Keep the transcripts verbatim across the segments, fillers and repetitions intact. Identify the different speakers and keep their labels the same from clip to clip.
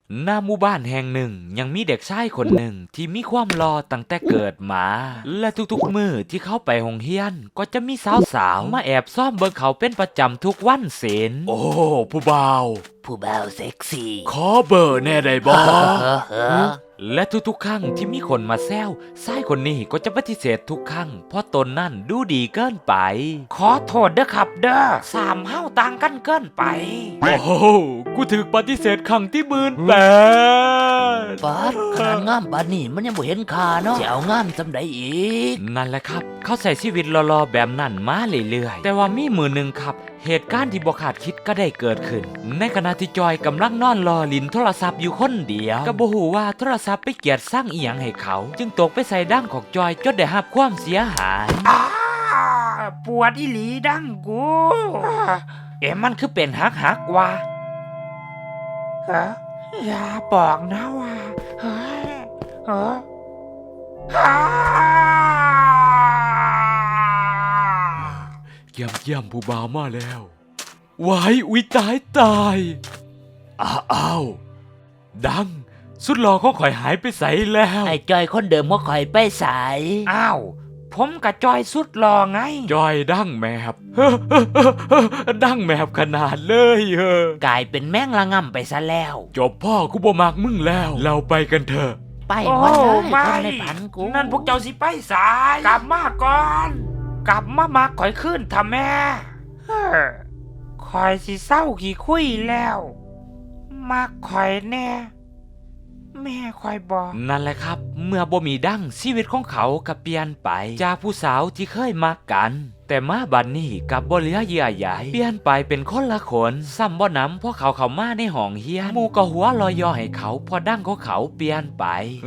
Speaker 1: หน้าหมู่บ้านแห่งหนึ่งยังมีเด็กชายคนหนึ่งที่มีความรอตั้งแต่เกิดมาและทุกๆมื้อที่เขาไปโรงเรียนก็จะมีสาวๆมาแอบซ่อมเบิ่งเขาเป็นประจำทุกวันศีลโอ้ผู้บ่าวผู้บ่าวเซ็กซี่ขอเบอร์แน่ได้บ่และทุกๆครั้งที่มีคนมาแซวชายคนนี้ก็จะปฏิเสธทุกครั้งเพราะตนนั่นดูดีเกินไปขอโทษเด้อครับเด้อสามเฮาต่างกันเกินไปโอ้โหกูถูกปฏิเสธครั้งที่หมื่นแปด
Speaker 2: ปาดขนาดงามปานนี้มันยังบ่เห็นค่าเนาะจะเอางามจำได้อีก
Speaker 1: นั่นแหละครับเขาใส่ชีวิตรอๆแบบนั้นมาเรื่อยๆแต่ว่ามีมือหนึ่งครับเหตุการณ์ที่บ่คาดคิดก็ได้เกิดขึ้นในขณะที่จอยกำลังนอนรอลินโทรศัพท์อยู่คนเดียวก็บ่ฮู้ว่าโทรศัพท์ไปเกียดสร้างอีหยังให้เขาจึงตกไปใส่ดั้งของจอยจนได้รับความเสียหายปวดอีหลีดั้งกูเอ๊ะมันคือเป็นหักหักวะฮะอย่าบอกนะว่าเฮ้ยเออเยี่ยมเยี่ยมผู้บ่าวมาแล้ววายอุ๊ยตายตายอ้าวดังสุดหล่อเขาข่อยหายไปใสแล้ว
Speaker 2: ไอ้จอยคนเดิมเขาข่อยไปใส
Speaker 1: อ้าวผมกับจอยสุดหล่อไงจอยดั้งแมบดั้งแมบขนาดเลยเอ
Speaker 2: อกลายเป็นแม่งละง่ำไปซะแล้ว
Speaker 1: จบพ่อกูบ่มักมึงแล้วเราไปกันเถอะ
Speaker 2: ไปมันเลยคนในพันกู
Speaker 1: นั่นพวกเจ้าสิไปสายกลับมาก่อนกลับมามาข่อยขึ้นทำแม่ข่อยสิเศร้าขี้คุยแล้วมาข่อยแน่แม่คอยบอกนั่นแหละครับเมื่อบ่มีดั้งชีวิตของเขาก็เปลี่ยนไปจากผู้สาวที่เคยมักกันแต่มาบัดนี้กับบ่เหลือเยื่อใยเปลี่ยนไปเป็นคนละคนซ้ำบ่นำเพราะเขาเข้ามาในห้องเฮียนหมู่ก็หัวลอยย่อให้เขาเพราะดั้งของเขาเปลี่ยนไป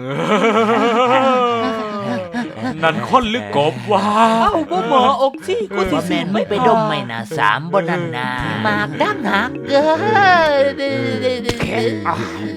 Speaker 1: นั่นคนลึกกบว่า
Speaker 2: เอ้าบ่หมออกสิกูสิแม่นไม่ไปดมไม่น่าสามบ่นั่นน่ะมากดั้งหักเด้อ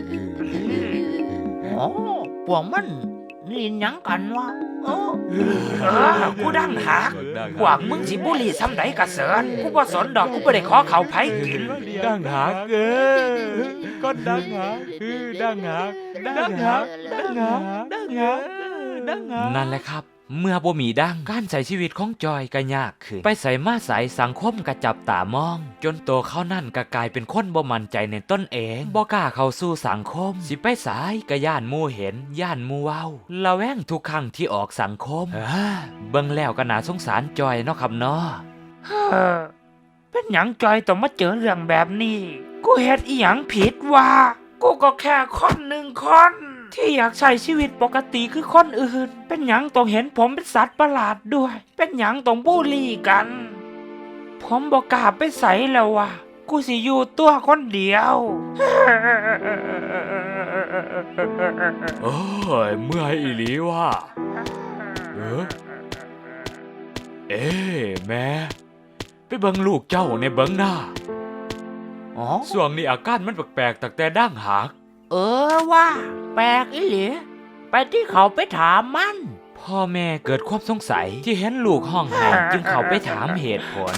Speaker 2: อ๋อพวกมันลินยังกันวะเออเออกูดังหักพวกมึงสิบุหรี่ซ้ำใดกระเสิร์นกูบ่สนดอกกูบ่ได้ขอเขาไผกิน
Speaker 1: ดังหักเออก็ดังหักดังหักดังหักดังหักดังหักดังหักนั่นแหละครับเมื่อบ่มีดังการใช้ชีวิตของจอยก็ยากขึ้นไปใส่มาใส่สังคมก็จับตามองจนโตเขานั่นก็กลายเป็นคนบ่มั่นใจในตนเองบ่กล้าเข้าสู่สังคมสิไปสายก็ย่านหมู่เห็นย่านหมู่เว้าระแวงทุกครั้งที่ออกสังคมเบิ่งแล้วก็น่าสงสารจอยเนาะครับเนาะเป็นหยังจอยต้องมาเจอเรื่องแบบนี้กูเฮ็ดอีหยังผิดวะกูก็แค่คนหนึ่งคนที่อยากใช้ชีวิตปกติคือคนอื่นเป็นหยังต้องเห็นผมเป็นสัตว์ประหลาดด้วยเป็นหยังต้องบูลลี่กันผมบอกกล้าไปใส่แล้ววะกูสิอยู่ตัวคนเดียวโอ้ยเมื่อยอีหลีว่ะเออเอ๊แม่ไปเบิ่งลูกเจ้าในเบิ่งหน้าอ๋อช่วงนี้อาการมันแปลกๆตั้งแต่ดั้งหัก
Speaker 2: เออว่าแปลกอีหลีไปที่เขาไปถามมัน
Speaker 1: พ่อแม่เกิดความสงสัยที่เห็นลูกห้องไห้จึงเขาไปถามเหตุผล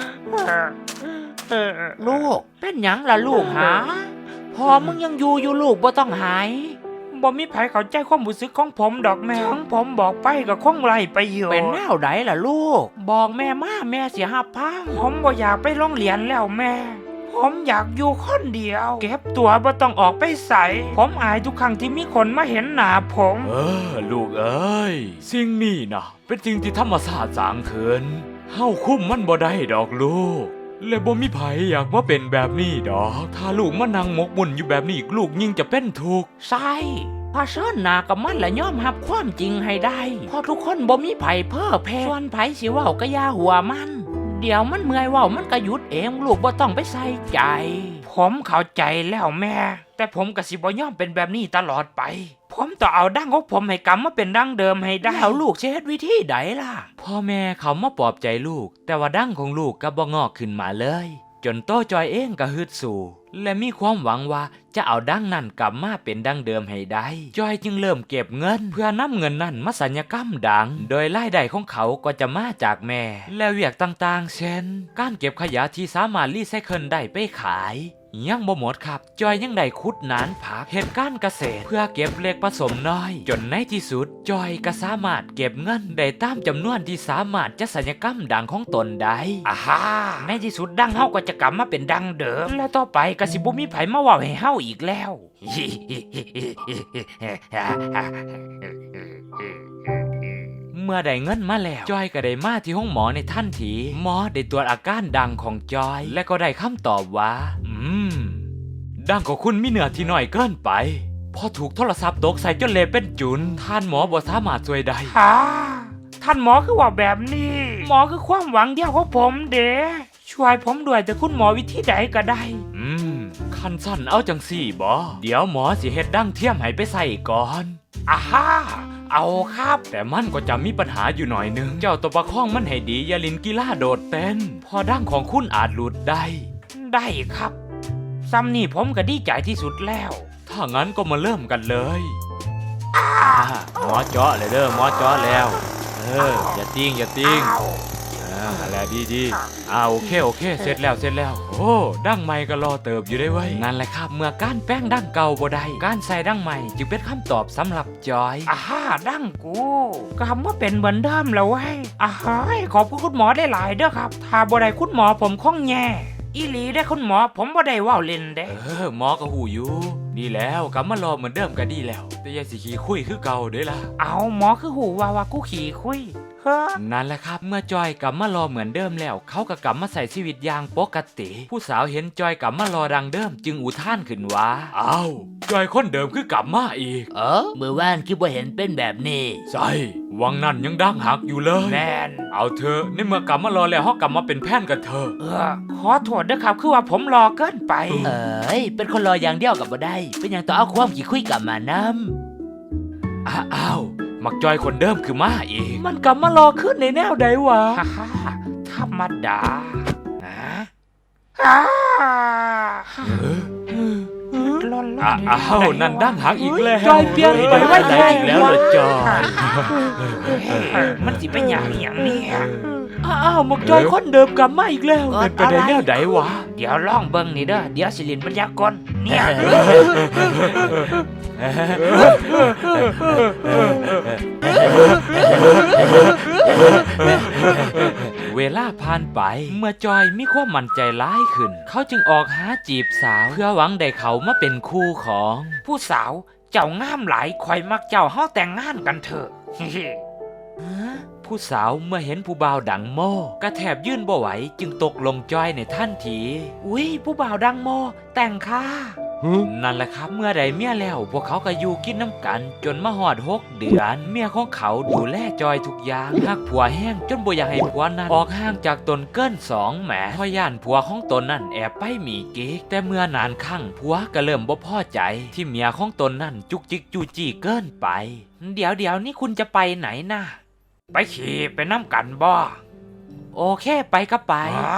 Speaker 2: ลูกเป็นหยังล่ะลูกหาพอมึงยังอยู่อยู่ลูกบ่ต้องหาย
Speaker 1: บ่มีไผเข้าใจความรู้สึกของผมดอกแม่ทั้งผมบอกไปก็คงไร้ประโยชน์
Speaker 2: เป็นแนวใดล่ะลูก
Speaker 1: บอกแม่มาแม่สิรับพังผมบ่อยากไปโรงเรียนแล้วแม่ผมอยากอยู่คนเดียวเก็บตัวบ่ต้องออกไปใส่ผมอายทุกครั้งที่มีคนมาเห็นหน้าผมเออลูกเอ้ยสิ่งนี้นะเป็นสิ่งที่ธรรมชาติสร้างขึ้นเฮาคุมมันบ่ได้ดอกลูกและบ่มีไผอยากมาเป็นแบบนี้ดอกถ้าลูกมานั่งหมกมุ่นอยู่แบบนี้ลูกยิ่งจะเป็นทุกข์
Speaker 2: ใช่เผชิญหน้ากับมันและยอมรับความจริงให้ได้เพราะทุกคนบ่มีไผเพ้อแพ้ส่วนไผสิเว้าก็อย่าหัวมันเดี๋ยวมันเมื่อยว่ามันก็หยุดเองลูกบ่ต้องไปใส่ใจ
Speaker 1: ผมเข้าใจแล้วแม่แต่ผมก็สิบ่ยอมเป็นแบบนี้ตลอดไปผมต้องเอาดั้งของผมให้กลับมาเป็นดั้งเดิมให้ได้
Speaker 2: แล้วลูกจะเฮ็ดวิธีใดล่ะ
Speaker 1: พ่อแม่เขามาปลอบใจลูกแต่ว่าดั้งของลูกก็บ่งอกขึ้นมาเลยจนโตจอยเองก็ฮึดสู้และมีความหวังว่าจะเอาดั้งนั้นกลับมาเป็นดั้งเดิมให้ได้จอยจึงเริ่มเก็บเงินเพื่อนำเงินนั้นมาศัลยกรรมดังโดยรายได้ของเขาก็จะมาจากแม่และเวียกต่างๆเช่นการเก็บขยะที่สามารถรีไซเคิลได้ไปขายยังบ่หมดครับจอยยังได้ขุดหนานผักเหตุการณ์เกษตรเพื่อเก็บเล็กผสมน้อยจนในที่สุดจอยก็สามารถเก็บเงินได้ตามจำนวนที่สามารถจะศัลยกรรมดังของตนได้อ่าฮะในที่สุดดังเฮาก็จะกลับมาเป็นดังเดิมและต่อไปก็สิบ่มีไผมาเว้าให้เฮาอีกแล้ว เมื่อได้เงินมาแล้วจอยก็ได้มาที่ห้องหมอในทันทีหมอได้ตรวจอาการดังของจอยและก็ได้คำตอบว่า อืมดังของคุณมีเนื้อที่น้อยเกินไปพอถูกโทรศัพท์ตกใส่จนเละเป็นจุนท่านหมอบ่สามารถช่วยได้
Speaker 2: ฮ่าท่านหมอคือว่าแบบนี้ หมอคือความหวังเดียวของผมเด้ช่วยผมด้วยแต่คุณหมอวิธีใดก็ได้
Speaker 1: อืมคันสั้นเอาจังสี่บ่เดี๋ยวหมอสิเฮ็ดดั้งเทียมให้ไปใส่ก่อนอ่าฮ่าเอาครับแต่มันก็จะมีปัญหาอยู่หน่อยนึงเจ้าตัวประคองมันให้ดีอย่าลินกีฬาโดดเต้นพอดั้งของคุณอาจหลุดได้
Speaker 2: ได้ครับซ้ำนี่ผมก็ดีใจที่สุดแล้ว
Speaker 1: ถ้างั้นก็มาเริ่มกันเลยอ่าหมอเจาะเลยเด้อหมอเจาะแล้วเอออย่าติ้งอย่าติ้งอ่าอะไรดีดีอ่าโอเคโอเคเสร็จแล้วเสร็จแล้วโอ้ดั้งใหม่ก็รอเติบอยู่ได้ไว้นั่นแหละครับเมื่อการแป้งดั้งเก่าบ่ได้การใส่ดั้งใหม่จึงเป็นคำตอบสำหรับจอย
Speaker 2: อาฮ่าดั้งกูกลับมาเป็นเหมือนเดิมแล้วเว้ยอาฮ่าขอบคุณคุณหมอได้หลายเด้อครับถ้าบ่ได้คุณหมอผมคงแย่อีหลีได้คุณหมอผมบ่ได้ว่าวเล่นเด้
Speaker 1: เออหมอก็หูอยู่ดีแล้วกลับมารอเหมือนเดิมก็ดีแล้วแต่อย่าสิขี้คุยคือเก่าเด้อล่ะ
Speaker 2: เอาหมอคือหูว่าว่ากูขี่คุยเฮ้อ
Speaker 1: นั่นแหละครับเมื่อจอยกลับมารอเหมือนเดิมแล้วเขาก็กลับมาใส่ชีวิตอย่างปกติผู้สาวเห็นจอยกลับมารอดังเดิมจึงอุทานขึ้นว่าอ้าวจอยคนเดิมคือกลับมาอีก
Speaker 2: เออเมื่อวานคือบ่เห็นเป็นแบบนี้
Speaker 1: ใช่วังนั่นยังดังหักอยู่เลย
Speaker 2: แมน
Speaker 1: เอาเธอะในเมื่อกลับมารอแล้วเฮากลับมาเป็นแพนกันเถอะ
Speaker 2: เออขอโทษด้วยครับคือว่าผมรอเกินไปเอ้ยเป็นคนรออย่างเดียวกับบ่ได้เป็นอย่างต้องเอาความขี่คุยกลับมานำ
Speaker 1: อ้าวมักจอยคนเดิมคือมาอีก
Speaker 2: มันกลับมารอขึ้นในแนวใดวะฮ่าฮ่าธรรมดาฮะฮ่าลอนๆ
Speaker 1: อ้าวนั่นดังหักอีกแล้ว
Speaker 2: จอยเปลี่ยนไป
Speaker 1: ไม่
Speaker 2: ไว้
Speaker 1: ได้
Speaker 2: ใจ
Speaker 1: อีกแล้วเหรอจอย
Speaker 2: มันสิเป็นอย่างอหย่างนี้
Speaker 1: อ้าวมักจอยคนเดิมกลับมาอีกแล้ว
Speaker 2: เออ
Speaker 1: เป็นไปได้แนวใดวะ
Speaker 2: เดี๋ยวลองเบิ่งนี่เด้อเดี๋ยวสิลินปัญญากรเนี่ย
Speaker 1: เวลาผ่านไปเมื่อจอยมีความมั่นใจร้ายขึ้น เขาจึงออกหาจีบสาวเพื่อหวังได้เขามาเป็นคู่ของ
Speaker 2: ผู้สาวเจ้างามหลายคอยมักเจ้าเฮาแต่งงานกันเถอะ
Speaker 1: ผู้สาวเมื่อเห็นผู้บ่าวดังโม่ก็แทบยื่นบ่ไหวจึงตกลงจอยในทันที
Speaker 2: อุ้ยผู้บ่าวดังโมแต่งค่ะ
Speaker 1: นั่นแหละครับเมื่อใดเมียแล้วพวกเขาก็อยู่กินน้ำกันจนมาหอดหกเดือนเมียของเขาดูแลจอยทุกอย่างหักผัวแห้งจนบ่อยากให้ผัวนั้นออกห่างจากตนเกินสองแหมเพราะย่านผัวของตนนั่นแอบไปมีกิ๊กแต่เมื่อนานข้างผัวก็เริ่มบ่พอใจที่เมียของตนนั่นจุกจิกจูจี้เกินไป
Speaker 2: เดี๋ยวเดี๋ยวนี่คุณจะไปไหนนะไปขี่ไปน้ำกันบ่
Speaker 1: โอเคไปก็ไป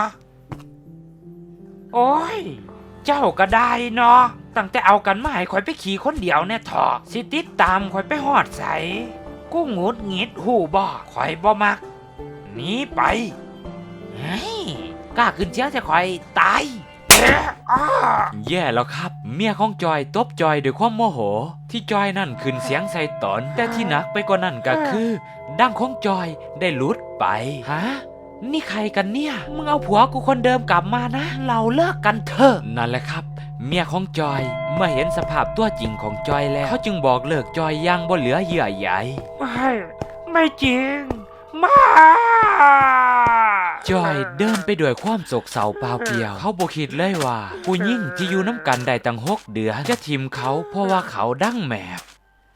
Speaker 2: โอ้ยเจ้าก็ได้เนาะตั้งแต่เอากันมาให้ข่อยไปขี่คนเดียวแน่ทอะสิติดตามข่อยไปหอดใสกูหงุดหงิดหูบ่ข่อยบ่มักหนีไปเฮ้ยกล้าขึ้นเชียงจะข่อยตายเอ๊ะอ้า
Speaker 1: แย่แล้วครับ เมียของจอยตบจอยด้วยความโมโห ที่จอยนั่นขึ้นเสียงใส่ตอนแต่ที่หนักไปกว่านั้นก็คือ ดังของจอยได้หลุดไปฮะนี่ใครกันเนี่ยมึงเอาผัวกูคนเดิมกลับมานะเราเลิกกันเถอะนั่นแหละครับ เมียของจอยเมื่อเห็นสภาพตัวจริงของจอยแล้วเขาจึงบอกเลิกจอยอย่างบ่เหลือเยื่อใย
Speaker 2: ไม่ไม่จริงมา
Speaker 1: จอยเดินไปด้วยความโศกเศร้าเปล่าเปลี่ยวเขาบ่คิดเลยว่าผู้หญิงที่อยู่น้ำกันได้ตั้งหกเดือนจะทิมเขาเพราะว่าเขาดั้งแมบ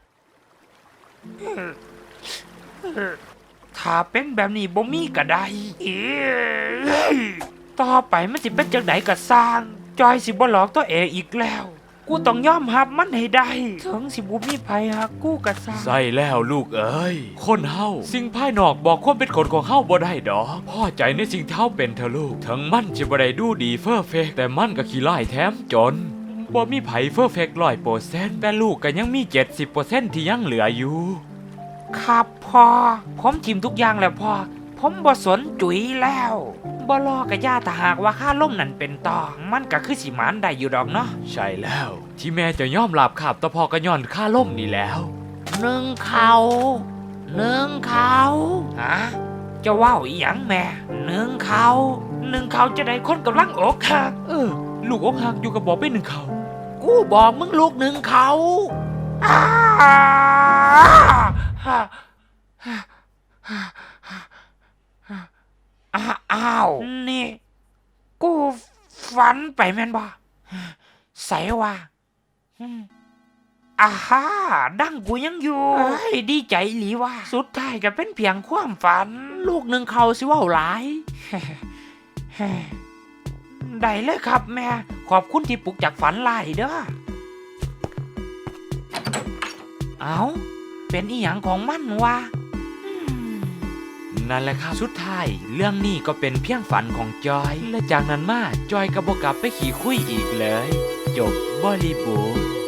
Speaker 2: ถ้าเป็นแบบนี้บ่มีก็ได้เอ้ยต่อไปมันสิเป็นจังไดก็สร้างจอยสิบ่หลอกตัวเองอีกแล้ว กูต้องยอมรับมันให้ได้ถึงสิบ่มีไผฮักกูก็สร้าง
Speaker 1: ใส่แล้วลูกเอ้ยคนเฮาสิ่งภายนอกบอกความเป็นคนของเฮาบ่ได้ดอกพ่อใจในสิ่งที่เฮาเป็นเถอะลูกถึงมันจะบ่ได้ดูดีเฟอร์เฟกแต่มันก็ขี้ร้ายแถมจนบ่มีไผเฟอร์เฟกร้อยเปอร์เซ็นต์แต่ลูกก็ยังมีเจ็ดสิบเปอร์เซ็นต์ที่ยังเหลืออยู่
Speaker 2: ครับพ่อผมทิมทุกอย่างแล้วพ่อผมบ่สนจุ๋ยแล้ว บบ่รอกะย่าถ้าหากว่าค่าล่มนั่นเป็นต่อมันก็คือสิหมานได้อยู่ดอกเนาะ
Speaker 1: ใช่แล้ว ที่แม่จะยอมรับขับตะพอก็ย้อนค่าล่มนี่แล้ว
Speaker 2: หนึ่งเขาหนึ่งเขาฮะจะว่าวอีหยังแม่หนึ่งเขาหนึ่งเขาจะได้คนกำลังอกหัก
Speaker 1: เออ ลูกอกหักอยู่กับบอกไปหนึ่งเขา
Speaker 2: กูบอกมึงลูกหนึ่งเขาอ้าอ้าวนี่ กูฝันไปแม่นบ่ใส่ว่าอาฮ่าดังกูยังอยู่เอ้ยดีใจอีหลีว่าสุดท้ายก็เป็นเพียงความฝัน ลูกหนึ่งเขาสิเว่าหลาย ได้เลยครับแม่ขอบคุณที่ปลุกจากฝันลายเด้อเอาเป็นอีหยังของมันวะ
Speaker 1: นั่นแหละครับสุดท้ายเรื่องนี้ก็เป็นเพียงฝันของจอย และจากนั้นมาจอยก็บอกกลับไปขี่คุยอีกเลย จบบริบูรณ์